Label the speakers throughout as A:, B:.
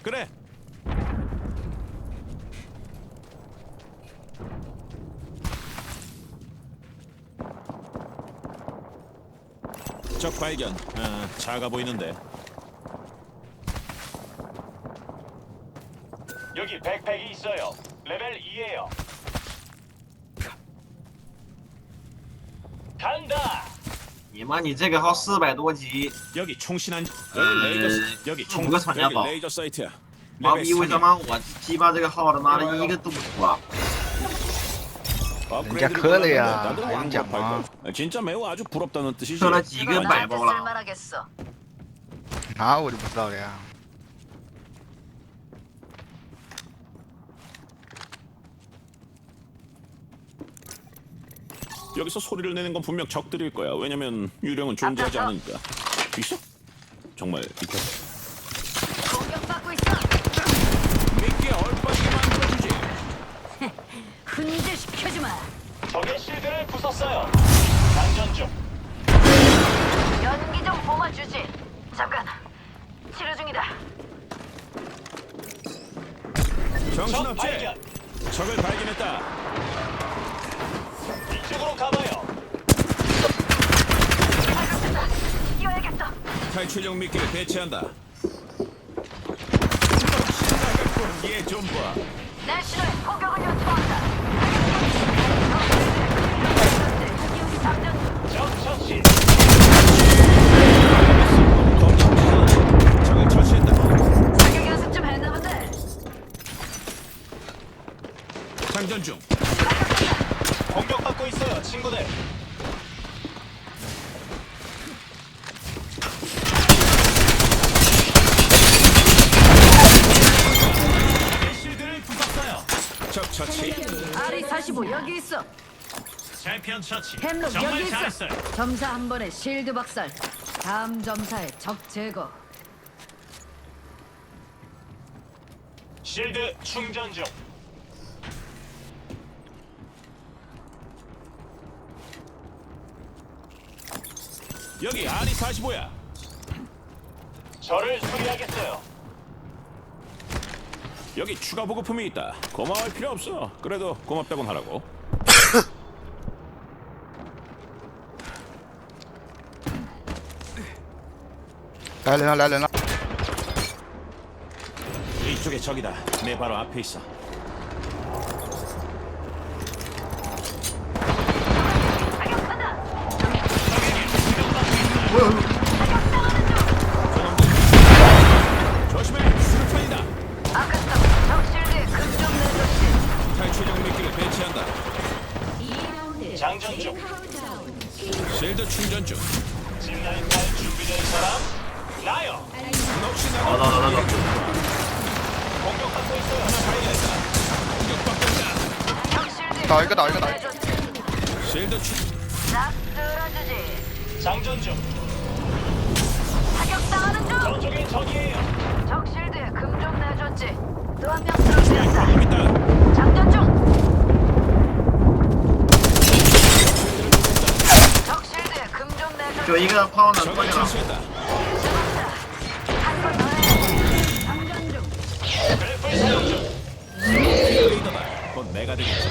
A: 그래. 적 발견. 작아 보이는데.
B: 여기 백팩이 있어요. 레벨 2예요. 간다.
C: 你妈，你这个号400多级，
A: 여기 총신한 여기 레이저 여기 총
C: 누가 찾냐,
A: 여기
C: 봐.
A: 레이저 사이트야.
C: 妈
A: 레벨
C: 逼，为
A: 3이야.
C: 什么我鸡巴这个号他妈的一个都不出啊？
A: 업그레이드를
D: 커리야.
A: 골랐는데 나도
D: 아니,
A: 왕복할
D: 뭐.
A: 걸. 진짜 매우 아주 부럽다는 뜻이지.
C: 出了几个百包了？
E: 쓸만하겠어.
D: 아, 우리 못 싸우려.
A: 여기서 소리를 내는 건 분명 적들일 거야. 왜냐면 유령은 존재하지
E: 앞서서.
A: 않으니까. 있어? 정말 있다.
E: 공격받고 있어.
A: 미끼에 얼빠지게 만들어주지.
E: 흔들시켜지 마.
B: 적의 실드를 부쉈어요. 장전 중.
E: 연기 좀 뿜어주지. 잠깐. 치료 중이다.
B: 적
A: 정신없지?
B: 발견.
A: 적을 발견했다.
B: 이쪽으로 가봐요.
E: 발각됐다. 뛰어야겠어.
A: 탈출용 미끼를 배치한다. 얘좀 봐.
E: 내 신호에 포격을 요청한다. 장전 중.
B: 적 처치.
A: 적을 처치했다.
E: 사격 연습 좀 했나 본데.
A: 장전 중.
B: 공격받고 있어요, 친구들. 적의 실드를 부쉈어요.
A: 적 처치.
E: RE45 여기 있어.
B: 챔피언 처치.
E: 햄록 여기
B: 정말
E: 있어.
B: 잘했어요.
E: 점사 한 번에 실드 박살. 다음 점사에 적 제거.
B: 실드 충전 중.
A: 여기 RE45야.
B: 저를 수리하겠어요.
A: 여기 추가 보급품이 있다. 고마워할 필요 없어. 그래도 고맙다곤 하라고.
D: 来人了，来人了！
A: 이쪽에 적이다. 내 바로 앞에 있어.
E: 사격한다.
A: 조심해. 수류탄이다.
E: 아까스타 적 실드에 금좀 내줬지.
A: 탈출용 미끼를 배치한다.
B: 장전 중.
A: 실드 충전 중.
B: 짚라인 탈 준비된 사람? 나요.
A: 넋이
C: 나도,
A: 나가.
C: 나도, 나도.
B: 공격받고 있어요.
A: 공격받고 있다.
E: 적 실드에
D: 나 이거, 나 이거,
E: 금좀
D: 나 이거.
E: 내줬지.
A: 실드 충.
E: 싹 쓸어주지.
B: 장전 중.
E: 사격당하는 중.
B: 저쪽에 적이에요.
E: 적 실드에 금 좀 내줬지. 또 한 명 쓰러졌다.
A: 좀 있다.
E: 장전 중. 적 실드에 금 좀 내줬지.
C: 就一个炮呢，过
A: 적을
C: 去了。
A: 처치했다.
E: 한번 더 해. 장전 중.
B: 그래플 사용 중.
A: 리더다. 곧 내가 되겠지.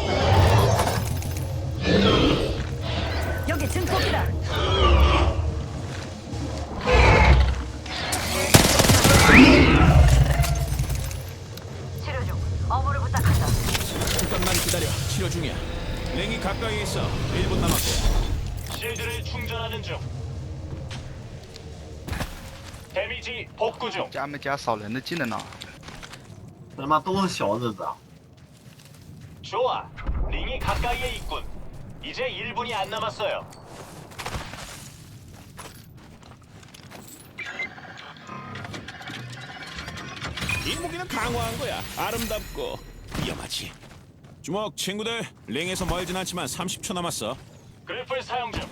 E: 여기 증폭이다. 치료 중. 어무를 부탁한다.
A: 잠깐만 기다려. 치료 중이야. 랭이 가까이 있어. 1분 남았고.
B: 실드를 충전하는 중. 데미지 복구 중.
D: 家没加扫人的技能呢？
C: 他妈都是小日子啊！
B: 좋아. 링이 가까이에 있군. 이제 1분이 안 남았어요.
A: 이 무기는 강화한 거야. 아름답고 위험하지. 주먹 친구들. 랭에서 멀진 않지만 30초 남았어.
B: 그래플 사용 중.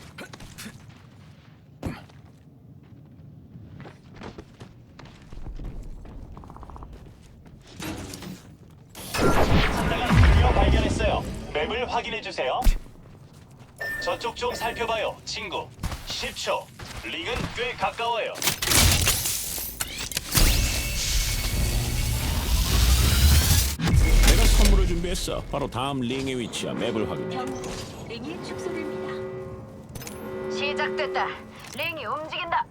B: 상대가 드디어 발견했어요. 맵을 확인해 주세요. 저쪽 좀 살펴봐요, 친구. 10초. 링은 꽤 가까워요.
A: 준비했어. 바로 다음 링의 위치야. 맵을 확인해.
F: 링이 축소됩니다.
E: 시작됐다. 링이 움직인다.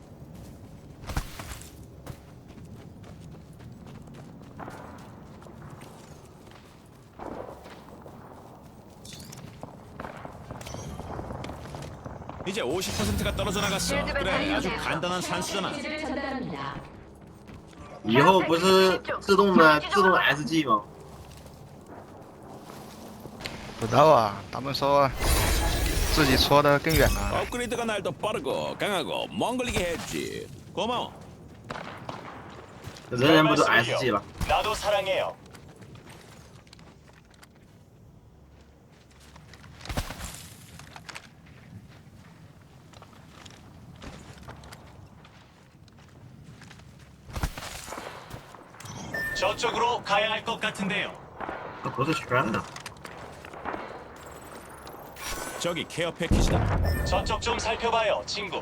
A: 이제 50%가 떨어져 나갔어. 그래, 아주 간단한 산수잖아.
F: 기지를 전달합니다.
C: 以后不是自动 SG 吗？
D: 不知道啊，他们说自己戳的更远了。
A: 업그레이드가 날 더 빠르고 강하고 먼 걸리게 했지. 고마워.
C: 人不都 SG 了？
B: 나도 사랑해요. 저쪽으로 가야 할 것 같은데요.
C: 那不是圈的。
A: 저기 케어 패키지다.
B: 저쪽 좀 살펴봐요, 친구.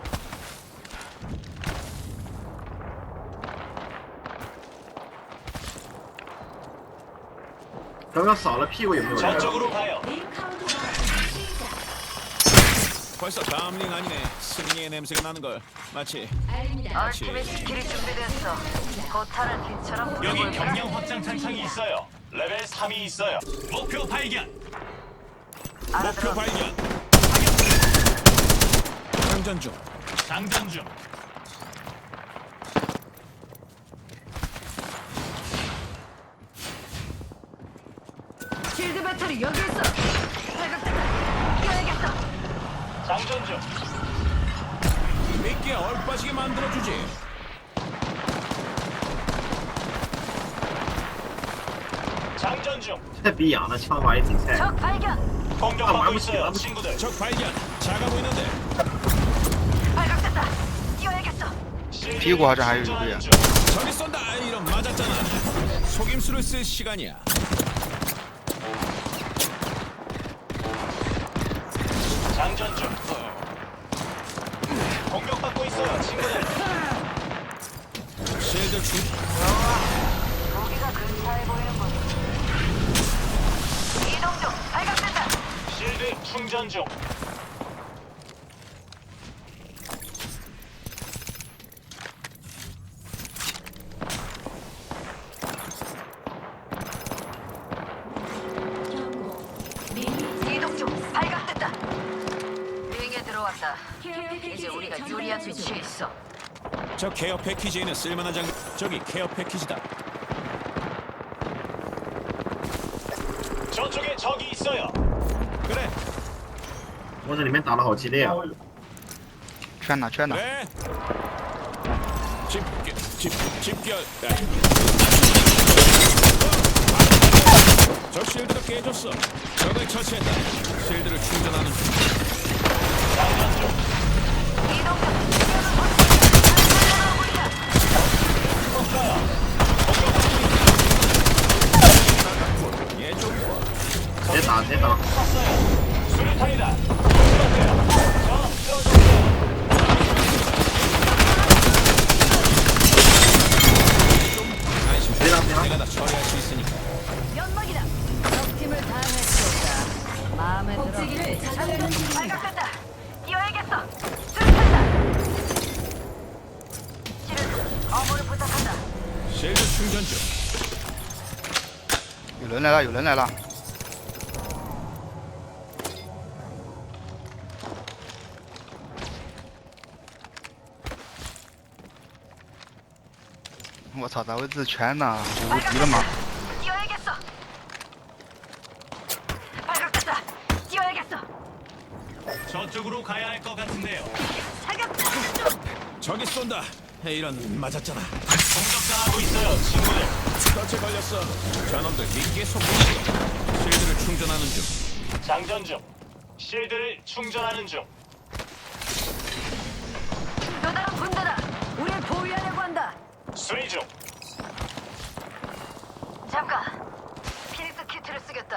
C: 刚刚扫了屁股有没有人？
B: 저쪽으로 가요.
F: 링 카운트다운 시작.
A: 벌써 다음 링 아니네. 스링의 냄새가 나는 걸. 마치
F: 알립니다.
E: 얼티밋 스킬이 준비됐어. 고타를 빛처럼
B: 여기
E: 불어볼까?
B: 경량 확장 탄창이 있어요. 레벨 3이 있어요. 목표 발견.
A: 목표
E: 알아들어.
A: 발견. 장전 중.
B: 장전 중.
E: 실드 배터리 여기 있어. 발각됐다. 뛰어야겠어.
B: 장전 중.
A: 믿기에 얼빠지게 만들어주지.
B: 장전 중.
C: 这逼养的枪法也挺菜。
E: 적 발견.
B: 공격받고 있어요, 친구들.
A: 적 발견. 작아 보이는데.
E: 발각됐다. 뛰어야겠어.
D: 피고 하자, 아유,
B: 충전하는
D: 이거야.
B: 중.
A: 저기 쏜다. 이런 맞았잖아. 속임수를 쓸 시간이야.
B: 장전 중. 공격받고 있어요, 친구들.
A: 실드 충.
E: 무기가 근사해 보이는군. 이동 중. 발각됐다.
B: 실드 충전 중.
F: 경고. 링이
E: 이동 중. 발각됐다. 링에 들어왔다.
F: 케어 패키지
E: 이제 우리가 유리한 위치에 있어.
A: 저 케어 패키지에는 쓸만한 장. 저기 케어 패키지다.
B: 저쪽에 적이 있어요.
A: 그래.
C: 我这里面打的好激烈啊！
D: 圈哪圈哪？
A: 그래. 집결. 저 실드가 깨졌어. 적을 처치했다. 실드를 충전하는 중.
B: 장전 중.
E: 이동 중.
A: 얘 좀.
C: 直接打，直接打。
B: 수류탄이다. 수류탄이야. 저 쓰러졌어요.
A: 안심.
C: 내가
A: 내가 다 처리할 수 있으니까.
E: 연막이다. 적 팀을 다 해치웠다. 마음에 들어.
F: 복제기를 전달하는 중입니다.
E: 발각됐다. 뛰어야겠어. 수류탄다. 치료 중. 어부를 부탁한다.
A: 실드 충전 중.
D: 有人来了，有人来了。我操，咋会是圈呢？无敌了吗？
E: 뛰어야겠어. 발각됐다. 뛰어야겠어.
B: 저쪽으로 가야 할 것 같은데요.
E: 사격.
A: 저기 쏜다. 이런 맞았잖아.
B: 공격당하고 있어요, 친구들.
A: 덫에 걸렸어. 저놈들 믿기에 속고 있어. 실드를 충전하는 중.
B: 장전 중. 실드를 충전하는 중.
E: 또 다른 군대다. 우릴 보위하려고 한다.
B: 수리 중.
E: 잠깐. 피닉스 키트를 쓰겠다.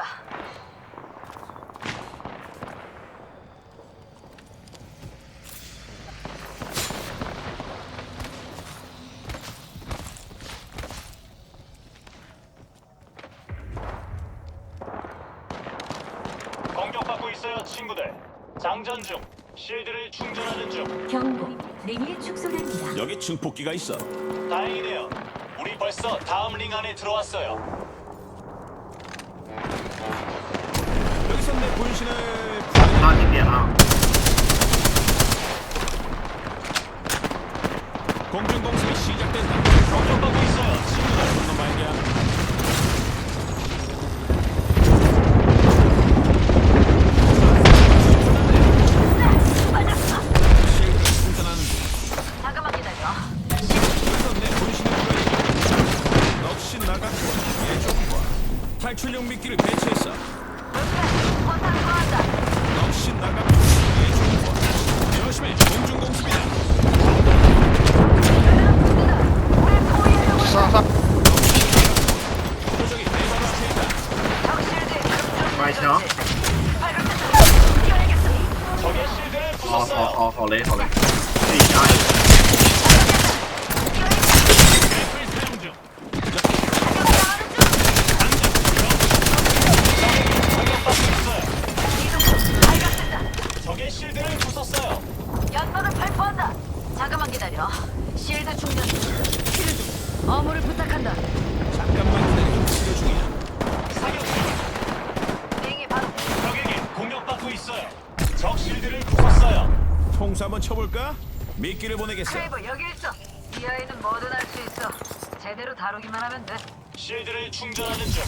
B: 장전 중. 실드를 충전하는 중.
F: 경고. 링이 축소됩니다.
A: 여기 증폭기가 있어.
B: 다행이네요. 우리 벌써 다음 링 안에 들어왔어요.
A: 여기서 내 분신을
C: 差几点啊？
A: 공중 공습이 시작된다.
B: 공격받고 있어요. 친구들.
A: 건너 말이야. 실드 충전하는 중.
E: 잠깐만 기다려.
A: 여기서 내 분신을 보여줘. 넋이 나갔고 예정과 탈출용 미끼를 배치했어.
E: 포탄 구한다.
A: 넋이 나갔고 예정과 조심해. 공중 공습이다.
D: 싹싹.
A: 저기 내 바로 앞에 있다.
E: 적실드
C: 买枪！
B: 적의 실드를
C: 好
B: 부쉈어요.
C: 好好好嘞好嘞，自己加油！
B: 랩을 사용 중. 적의 실드를 부쉈어요.
E: 연막을 발포한다. 잠깐만 기다려. 실드 충전 중. 치료 중. 어무를 부탁한다.
A: 잠깐만 기다려. 치료 중이야.
B: 사격 중.
E: 링이 바로
B: 적에게 공격받고 있어요. 적 실드를 부쉈어요.
A: 통수 한번 쳐볼까? 미끼를 보내겠어.
E: 크레이버 여기 있어. 이 아이는 뭐든 할 수 있어. 제대로 다루기만 하면 돼.
B: 실드를 충전하는 중.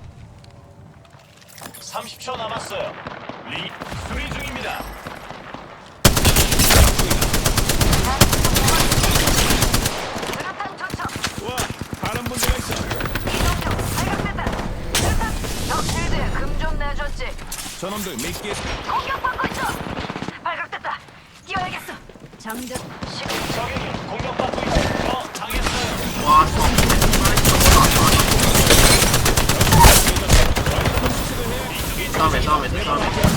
B: 30초 남았어요. 리 수리 중입니다.
E: 수류탄 투척.
A: 와, 다른 문제가 있어.
E: 이동 중. 발각됐다. 수류탄. 적실드에 금 좀 내줬지.
A: 저놈들 미끼에
E: 공격받고 있어. 발각됐다. 뛰어야겠어. 장전.
B: 적에게 공격받고 있어요. 당했어요.
C: 哇操！
B: 이쪽에
C: 上面上面在上面。